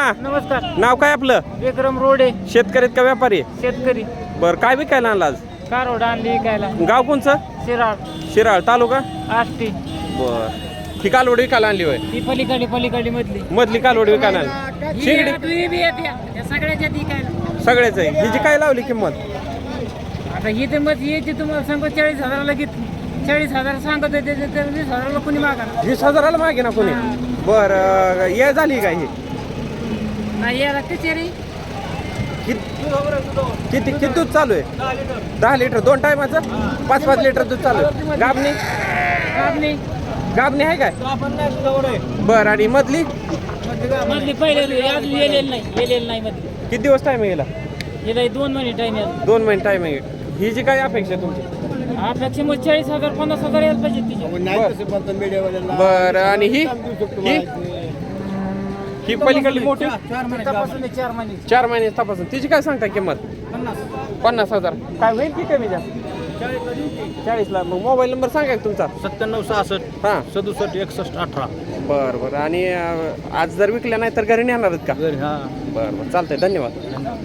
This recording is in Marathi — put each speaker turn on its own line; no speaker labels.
नमस्कार.
नाव काय आपलं?
विक्रम रोडे.
शेतकरी का व्यापारी?
शेतकरी.
बर, काय विकायला आणला आज?
कारवड आणली विकायला.
गाव कोणचं?
शिराळ.
शिराळ तालुका?
आष्टी.
बर, ही कालवड विकायला आणली होय?
ही पलीकडे मधली.
मधली कालवड विकायला आणली. शिंगडी
सगळ्याच्या विकायला.
सगळ्याच आहे. हिची काय लावली किंमत?
आता ही तर मग याची तुम्हाला सांगतो 40,000ला घेतली. 40,000 सांगत होते 20,000ला कोणी मागा.
20,000ला मागे ना कोणी? बर, ये झाली काय ही?
नाही याला कचेरी.
किती दूध चालू आहे? 10 लिटर 2 टायमाचं? 5-5 लिटर दूध चालू आहे. गाबणी आहे काय? बर, आणि मधली
पहिले अजून येलेलं नाही मधली.
किती दिवस टाइम आहे?
गेला 2 महिने टाइम आहे.
2 महिने टाइम आहे. ही जी काय अपेक्षा आहे तुमची?
अपेक्षा मग 40,000 50,000 यायला पाहिजे तिच्या.
बर, आणि ही पलीकडली मोठी
4 महिने
4 महिने तपासून तिची काय सांगता किंमत? 50,000. काय होईल की कमी जास्त? 40ला. मग मोबाईल नंबर सांगा तुमचा?
9766
हां
67 61 18.
बरं. आणि आज जर विकल्या नाही तर घरी नेणार आहेत का?
हा.
बरं, चालतंय. धन्यवाद.